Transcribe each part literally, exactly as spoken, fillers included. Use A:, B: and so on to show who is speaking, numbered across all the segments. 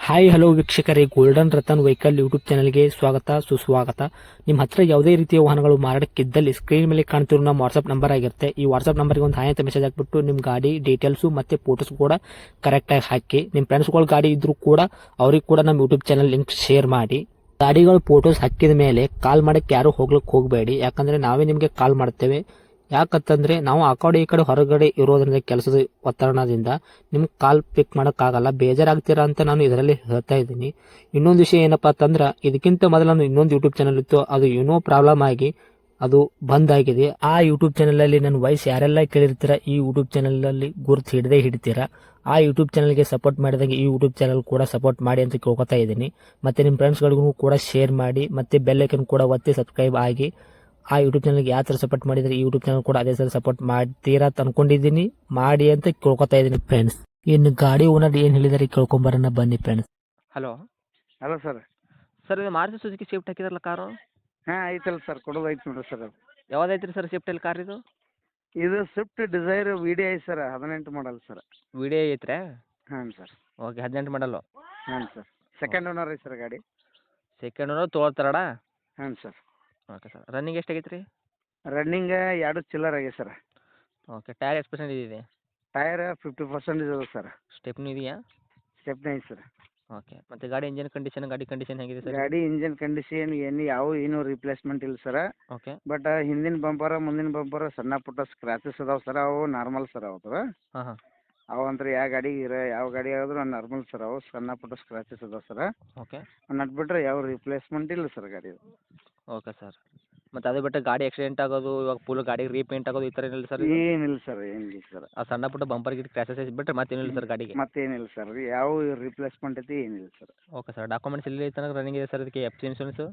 A: Hi hello ವೀಕ್ಷಕರೇ, golden Ratan vehicle YouTube ಚಾನಲ್ಗೆ ಸ್ವಾಗತ ಸುಸ್ವಾಗತ. ನಿಮ್ಮ ಹತ್ರ ಯಾವುದೇ ರೀತಿಯ ವಾಹನಗಳು ಮಾರಾಟಕ್ಕಿದ್ದಲ್ಲಿ ಸ್ಕ್ರೀನ್ ಮೇಲೆ ಕಾಣ್ತಿರೋ ನಮ್ಮ ವಾಟ್ಸ್ಆಪ್ ನಂಬರ್ ಆಗಿರುತ್ತೆ. ಈ ವಾಟ್ಸ್ಆಪ್ ನಂಬರ್ಗೆ ಒಂದು ಹಾಯ್ ಅಂತ ಮೆಸೇಜ್ ಹಾಕ್ಬಿಟ್ಟು ನಿಮ್ಮ ಗಾಡಿ ಡೀಟೇಲ್ಸು ಮತ್ತೆ ಫೋಟೋಸ್ ಕೂಡ ಕರೆಕ್ಟಾಗಿ ಹಾಕಿ. ನಿಮ್ಮ ಫ್ರೆಂಡ್ಸ್ಗಳ ಗಾಡಿ ಇದ್ರೂ ಕೂಡ ಅವ್ರಿಗೆ ಕೂಡ ನಮ್ಮ ಯೂಟ್ಯೂಬ್ ಚಾನಲ್ ಲಿಂಕ್ ಶೇರ್ ಮಾಡಿ. ಗಾಡಿಗಳು ಫೋಟೋಸ್ ಹಾಕಿದ ಮೇಲೆ ಕಾಲ್ ಮಾಡಕ್ಕೆ ಯಾರು ಹೋಗ್ಲಿಕ್ಕೆ ಹೋಗಬೇಡಿ, ಯಾಕಂದ್ರೆ ನಾವೇ ನಿಮಗೆ ಕಾಲ್ ಮಾಡ್ತೇವೆ. ಯಾಕಂತಂದ್ರೆ ನಾವು ಆ ಕಡೆ ಈ ಕಡೆ ಹೊರಗಡೆ ಇರೋದ್ರಿಂದ ಕೆಲಸದ ಒತ್ತಡದಿಂದ ನಿಮ್ಗೆ ಕಾಲ್ ಪಿಕ್ ಮಾಡೋಕ್ಕಾಗಲ್ಲ, ಬೇಜಾರಾಗ್ತೀರಾ ಅಂತ ನಾನು ಇದರಲ್ಲಿ ಹೇಳ್ತಾ ಇದ್ದೀನಿ. ಇನ್ನೊಂದು ವಿಷಯ ಏನಪ್ಪಾ ಅಂತಂದ್ರೆ, ಇದಕ್ಕಿಂತ ಮೊದಲು ನಾನು ಇನ್ನೊಂದು ಯೂಟ್ಯೂಬ್ ಚಾನಲ್ ಇತ್ತು, ಅದು ಏನೋ ಪ್ರಾಬ್ಲಮ್ ಆಗಿ ಅದು ಬಂದ್ ಆಗಿದೆ. ಆ ಯೂಟ್ಯೂಬ್ ಚಾನಲ್ ಅಲ್ಲಿ ನನ್ನ ವಾಯ್ಸ್ ಯಾರೆಲ್ಲ ಕೇಳಿರ್ತೀರಾ, ಈ ಯೂಟ್ಯೂಬ್ ಚಾನಲ್ ಅಲ್ಲಿ ಗುರುತು ಹಿಡದೆ ಹಿಡಿತೀರಾ. ಆ ಯೂಟ್ಯೂಬ್ ಚಾನಲ್ಗೆ ಸಪೋರ್ಟ್ ಮಾಡಿದಾಗ ಈ ಯೂಟ್ಯೂಬ್ ಚಾನಲ್ ಕೂಡ ಸಪೋರ್ಟ್ ಮಾಡಿ ಅಂತ ಕೇಳ್ಕೊತಾ ಇದ್ದೀನಿ. ಮತ್ತೆ ನಿಮ್ಮ ಫ್ರೆಂಡ್ಸ್ಗಳಿಗೂ ಕೂಡ ಶೇರ್ ಮಾಡಿ, ಮತ್ತೆ ಬೆಲ್ ಐಕನ್ ಕೂಡ ಒತ್ತಿ ಸಬ್ಸ್ಕ್ರೈಬ್ ಆಗಿ. ಆ ಯೂಟ್ಯೂಬ್ ಚಾನಲ್ಗೆ ಯಾವ ಥರ ಸಪೋರ್ಟ್ ಮಾಡಿದರೆ ಈ ಯೂಟ್ಯೂಬ್ ಚಾನಲ್ ಕೂಡ ಅದೇ ಥರ ಸಪೋರ್ಟ್ ಮಾಡ್ತೀರಾ ಅಂತ ಅನ್ಕೊಂಡಿದ್ದೀನಿ. ಮಾಡಿ ಅಂತ ಕೇಳ್ಕೊತಾ ಇದ್ದೀನಿ ಫ್ರೆಂಡ್ಸ್. ಇನ್ನು ಗಾಡಿ ಓನರ್ ಏನು ಹೇಳಿದಾರೆ ಕೇಳ್ಕೊಂಬರೋಣ ಬನ್ನಿ friends.
B: Hello
C: hello sir.
B: Sir ಇದು ಮಾರುತಿ ಸುಜುಕಿ ಶಿಫ್ಟ್ ಹಾಕಿದ್ರಲ್ಲ ಕಾರು,
C: ಹಾಂ ಐತಲ್ಲ ಸರ್, ಕೊಡೋದು ಐತೆ ನೋಡಿರಿ ಸರ್. ಅದು
B: ಯಾವ್ದೈತೆ ರೀ ಸರ್ ಶಿಫ್ಟಲ್ಲಿ ಕಾರ್ ಇದು?
C: ಇದು Swift Dzire V D I sir, ಹದಿನೆಂಟು ಮಾಡಲ್ ಸರ್.
B: ವಿಡಿಯೋ ಐತ್ರಾ?
C: ಹಾಂ ಸರ್.
B: ಓಕೆ, ಹದಿನೆಂಟು ಮಾಡಲು.
C: ಹಾಂ ಸರ್. ಸೆಕೆಂಡ್ ಓನರ್ ಐತೆ ಸರ್ ಗಾಡಿ.
B: ಸೆಕೆಂಡ್ ಓನರ್ ತೊಗೊಳ್ತಾರಡ?
C: ಹಾಂ ಸರ್.
B: Okay sir. ರನ್ನಿಂಗ್ ಎಷ್ಟಾಗೈತೆ ರೀ?
C: ರನ್ನಿಂಗ್ ಎರಡು ಚಿಲ್ಲರ್ ಆಗಿದೆ ಸರ್.
B: ಓಕೆ, ಟೈರ್ ಎಷ್ಟು ಪರ್ಸೆಂಟ್ ಇದೆ?
C: ಟೈರ್ ಫಿಫ್ಟಿ ಪರ್ಸೆಂಟ್ ಇದೆ ಸರ್.
B: ಸ್ಟೆಪ್ನಿ ಇದೆಯಾ?
C: ಸ್ಟೆಪ್ನಿ ಐತೆ ಸರ್.
B: ಓಕೆ, ಮತ್ತು ಗಾಡಿ ಇಂಜಿನ್ ಕಂಡೀಷನ್, ಗಾಡಿ ಕಂಡೀಷನ್ ಹೇಗಿದೆ ಸರ್?
C: ಗಾಡಿ ಇಂಜಿನ್ ಕಂಡೀಷನ್ ಏನು ಯಾವ ಏನು ರಿಪ್ಲೇಸ್ಮೆಂಟ್ ಇಲ್ಲ ಸರ್.
B: ಓಕೆ.
C: ಬಟ್ ಹಿಂದಿನ ಬಂಪರ ಮುಂದಿನ ಬಂಪರ ಸಣ್ಣ ಪುಟ್ಟ ಸ್ಕ್ರಾಚಸ್ ಅದಾವೆ ಸರ್, ಅವು ನಾರ್ಮಲ್ ಸರ್. ಅವು
B: ಹಾಂ ಹಾಂ.
C: ಅವು ಅಂದ್ರೆ ಯಾವ ಗಾಡಿ ಇರ ಯಾವ ಗಾಡಿ ಆದ್ರೂ ನಾರ್ಮಲ್ ಸರ್, ಅವು ಸಣ್ಣ ಪುಟ್ಟ ಸ್ಕ್ರಾಚಸ್ ಅದಾವೆ ಸರ್.
B: ಓಕೆ.
C: ನಟ್ ಬಿಟ್ರೆ ಯಾವ ರಿಪ್ಲೇಸ್ಮೆಂಟ್ ಇಲ್ಲ ಸರ್ ಗಾಡಿ.
B: Okay sir. ಮತ್ತು ಅದು ಬಿಟ್ಟು ಗಾಡಿ ಆಕ್ಸಿಡೆಂಟ್ ಆಗೋದು, ಇವಾಗ ಫುಲ್ ಗಾಡಿ ರೀಪೇಂಟ್ ಆಗೋದು ಈ ಥರ ಏನಿಲ್ಲ ಸರ್?
C: ಏನಿಲ್ಲ ಸರ್, ಏನಿಲ್ಲ ಸರ್.
B: ಆ ಸಣ್ಣ ಪುಟ್ಟ ಬಂಪರ್ ಗಿಟ್ ಕ್ರ್ಯಾಸಸ್ ಬಿಟ್ಟರೆ ಮತ್ತೇನಿಲ್ಲ ಸರ್ ಗಾಡಿಗೆ?
C: ಮತ್ತೇನಿಲ್ಲ ಸರ್, ಯಾವ ರಿಪ್ಲೇಸ್ಮೆಂಟ್ ಐತಿ ಏನಿಲ್ಲ ಸರ್.
B: Okay sir. ಡಾಕ್ಯುಮೆಂಟ್ಸ್ ಎಲ್ಲಿ ತನಕ ರನ್ನಿಂಗ್ ಇದೆ ಸರ್ ಇದಕ್ಕೆ? ಎಫ್ ಸಿ ಇನ್ಶೂರೆನ್ಸು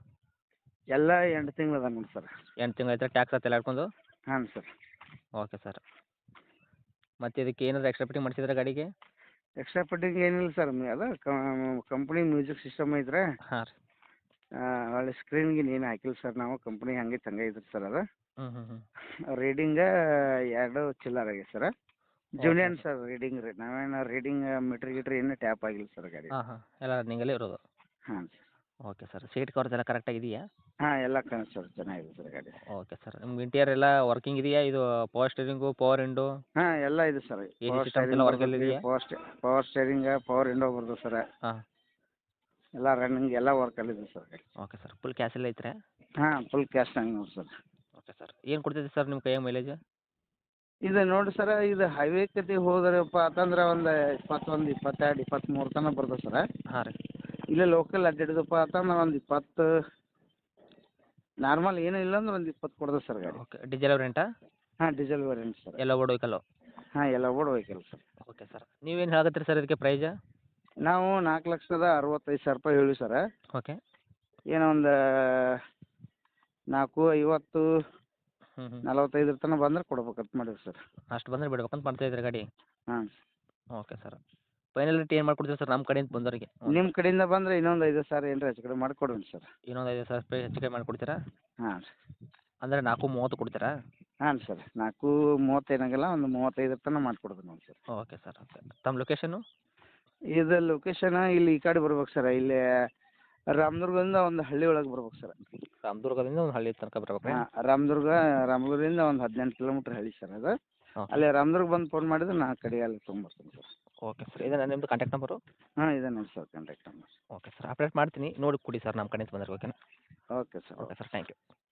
C: ಎಲ್ಲ ಎಂಟು ತಿಂಗಳು ಅದ ನೋಡಿ ಸರ್.
B: ಎಂಟು ತಿಂಗಳು ಐತೆ, ಟ್ಯಾಕ್ಸ್ ಹತ್ತೆಲ್ಲ ಹಿಡ್ಕೊಂಡು?
C: ಹಾಂ ಸರ್.
B: Okay sir. ಮತ್ತು ಇದಕ್ಕೆ ಏನಾದರೂ ಎಕ್ಸ್ಟ್ರಾ ಫಿಟ್ಟಿಂಗ್ ಮಾಡಿಸಿದ್ರೆ ಗಾಡಿಗೆ?
C: ಎಕ್ಸ್ಟ್ರಾ ಫಿಟ್ಟಿಂಗ್ ಏನಿಲ್ಲ ಸರ್, ಅದ ಕಂಪ್ನಿ ಮ್ಯೂಸಿಕ್ ಸಿಸ್ಟಮ್ ಐತ್ರೆ.
B: ಹಾಂ ರೀ.
C: ಒಳ್ಳೆ ಸ್ಕ್ರೀನ್ಗೆ ಏನು ಹಾಕಿಲ್ಲ ಸರ್, ನಾವು ಕಂಪ್ನಿ ಹಂಗೆ ತಂಗ ಐತ್ರಿ ಸರ್. ಅದು
B: ಹ್ಞೂ ಹ್ಞೂ ಹ್ಞೂ.
C: ರೀಡಿಂಗ ಎರಡು ಚಿಲ್ಲರ್ ಆಗಿದೆ ಸರ್. ಜೂನಿಯನ್ ಸರ್ ರೀಡಿಂಗ್ ರೀ, ನಾವೇನು ರೀಡಿಂಗ್ ಮೀಟ್ರ್ ಗೀಟ್ರ್ ಏನು ಟ್ಯಾಪ್ ಆಗಿಲ್ಲ ಸರ್ ಗಾಡಿ.
B: ಹಾಂ ಹಾಂ, ಎಲ್ಲ ರನ್ನಿಂಗಲ್ಲೇ ಇರೋದು?
C: ಹಾಂ sir.
B: Okay sir. Seat covers ಎಲ್ಲ ಕರೆಕ್ಟಾಗಿದೆಯಾ?
C: ಹಾಂ ಎಲ್ಲ ಕಣ ಸರ್, ಚೆನ್ನಾಗಿದೆ ಸರ್ ಗಾಡಿ.
B: Okay sir. ನಿಮ್ಗೆ ಇಂಟೀರಿಯರ್ ಎಲ್ಲ ವರ್ಕಿಂಗ್ ಇದೆಯಾ? ಇದು ಪವರ್ ಸ್ಟೀರಿಂಗು, ಪವರ್ ವಿಂಡೋ,
C: ಹಾಂ ಎಲ್ಲ ಇದೆ sir.
B: A C
C: power
B: systems ಎಲ್ಲ ವರ್ಕಲ್ಲಿ
C: ಸ್ಟೇರಿಂಗ್
B: ಇದೆಯಾ?
C: ಪವರ್ ಸ್ಟೇ ಪವರ್ ಸ್ಟೇರಿಂಗ ಪವರ್ ವಿಂಡೋ ಬರ್ತದೆ ಸರ್.
B: ಹಾಂ.
C: ಎಲ್ಲ ರನ್ನಿಂಗ್ ಎಲ್ಲ ವರ್ಕಲ್ಲಿದೆ ಸರ್ ಗಾಡಿ.
B: Okay sir. ಫುಲ್ ಕ್ಯಾಶ್ ಎಲ್ಲ ಐತ್ರಾ?
C: ಹಾಂ ಫುಲ್ ಕ್ಯಾಶ್ ಹಂಗೆ ನೋಡಿ ಸರ್.
B: Okay sir. ಏನು ಕೊಡ್ತೈತೆ ಸರ್ ನಿಮ್ಮ ಕೈಯಾಗ ಮೈಲೇಜ್?
C: ಇದು ನೋಡಿ ಸರ್, ಇದು ಹೈವೇ ಕತೆ ಹೋದ್ರಪ್ಪ ಅಂತಂದ್ರೆ ಒಂದು ಇಪ್ಪತ್ತೊಂದು ಇಪ್ಪತ್ತೆರಡು ಇಪ್ಪತ್ತ್ಮೂರು ತನಕ ಬರ್ತದೆ ಸರ್.
B: ಹಾಂ ರೀ.
C: ಇಲ್ಲೇ ಲೋಕಲ್ ಅಡ್ಡಾಡಿದಪ್ಪ ಅಂತಂದ್ರೆ ಒಂದು ಇಪ್ಪತ್ತು, ನಾರ್ಮಲ್ ಏನೂ ಇಲ್ಲ ಅಂದ್ರೆ ಒಂದು ಇಪ್ಪತ್ತು ಕೊಡ್ತದೆ ಸರ್ ಗಾಡಿ.
B: ಓಕೆ. ಡೀಸೆಲ್ ರೆಂಟಾ?
C: ಹಾಂ ಡೀಸೆಲ್ ವೇರಿಯಂಟ್ ಸರ್.
B: ಎಲ್ಲ ಓಡ್ ವೆಹಿಕಲ್ಲು?
C: ಹಾಂ ಎಲ್ಲ ಓಡ್ ವೆಹಿಕಲ್ ಸರ್.
B: Okay sir. ನೀವೇನು ಹೇಳಕತ್ತೀರಿ ಸರ್ ಇದಕ್ಕೆ ಪ್ರೈಜ?
C: ನಾವು ನಾಲ್ಕು ಲಕ್ಷದ ಅರವತ್ತೈದು ಸಾವಿರ ರೂಪಾಯಿ ಹೇಳಿ ಸರ್.
B: ಓಕೆ.
C: ಏನೋ ಒಂದು ನಾಲ್ಕು ಐವತ್ತು
B: ಹ್ಞೂ ಹ್ಞೂ.
C: ನಲವತ್ತೈದರ ತನಕ ಬಂದ್ರೆ ಕೊಡ್ಬೇಕಂತ ಮಾಡಿವಿ ಸರ್.
B: ಅಷ್ಟು ಬಂದರೆ ಬಿಡ್ಬೇಕಂತ ಮಾಡ್ತಾ ಇದ್ದೀರಿ ಗಾಡಿ?
C: ಹಾಂ.
B: Okay sir. ಫೈನಲ್ ರೇಟ್ ಏನು ಮಾಡ್ಕೊಡ್ತೀವಿ ಸರ್ ನಮ್ಮ ಕಡೆಯಿಂದ ಬಂದವರಿಗೆ?
C: ನಿಮ್ಮ ಕಡೆಯಿಂದ ಬಂದರೆ ಇನ್ನೊಂದು ಐದು ಸಾವಿರ ಏನರ ಹೆಚ್ಚು ಕಡಿಮೆ ಮಾಡಿಕೊಡ್ರಿ ಸರ್.
B: ಇನ್ನೊಂದು ಐದು ಸಾವಿರ ರೂಪಾಯಿ ಹೆಚ್ಚು ಕಮ್ಮಿ ಮಾಡಿಕೊಡ್ತೀರಾ?
C: ಹಾಂ ರೀ.
B: ಅಂದರೆ ನಾಲ್ಕು ಮೂವತ್ತು ಕೊಡ್ತೀರಾ?
C: ಹಾಂ ಸರ್, ನಾಲ್ಕು ಮೂವತ್ತೇನಾಗಲ್ಲ, ಒಂದು ಮೂವತ್ತೈದರ ತನಕ ಮಾಡಿಕೊಡ್ತೀನಿ ನೋಡಿ ಸರ್.
B: Okay sir. ಓಕೆ. ತಮ್ಮ ಲೊಕೇಶನ್ನು?
C: ಇದು ಲೊಕೇಶನ್ ಇಲ್ಲಿ ಈ ಕಡೆ ಬರ್ಬೇಕು ಸರ್, ಇಲ್ಲಿ ರಾಮದುರ್ಗದಿಂದ ಒಂದು ಹಳ್ಳಿ ಒಳಗೆ ಬರ್ಬೇಕು ಸರ್.
B: ರಾಮದುರ್ಗದಿಂದ ಒಂದು ಹಳ್ಳಿ ತನಕ ಬರ್ಬೇಕು?
C: ಹಾಂ ರಾಮದುರ್ಗ, ರಾಮದುರ್ಗದಿಂದ ಒಂದು ಹದಿನೆಂಟು ಕಿಲೋಮೀಟ್ರ್ ಹಳ್ಳಿ ಸರ್ ಅದು.
B: ಓಕೆ.
C: ಅಲ್ಲಿ ರಾಮದುರ್ಗ ಬಂದು ಫೋನ್ ಮಾಡಿದ್ರೆ ನಾ ಕಡೆ ಅಲ್ಲಿ ತೊಗೊಂಬರ್ತೀನಿ ಸರ್.
B: Okay sir. ಇದೇನಾ ನಿಮ್ಮದು ಕಾಂಟ್ಯಾಕ್ಟ್ ನಂಬರು?
C: ಹಾಂ ಇದೆ ನೋಡಿ sir contact number.
B: Okay sir. Update ಮಾಡ್ತೀನಿ, ನೋಡಿ ಕೊಡಿ ಸರ್ ನಮ್ಮ ಕಡೆಯಿಂದ ಬಂದರೆ. ಓಕೆನಾ?
C: Okay sir.
B: Okay sir. Thank you.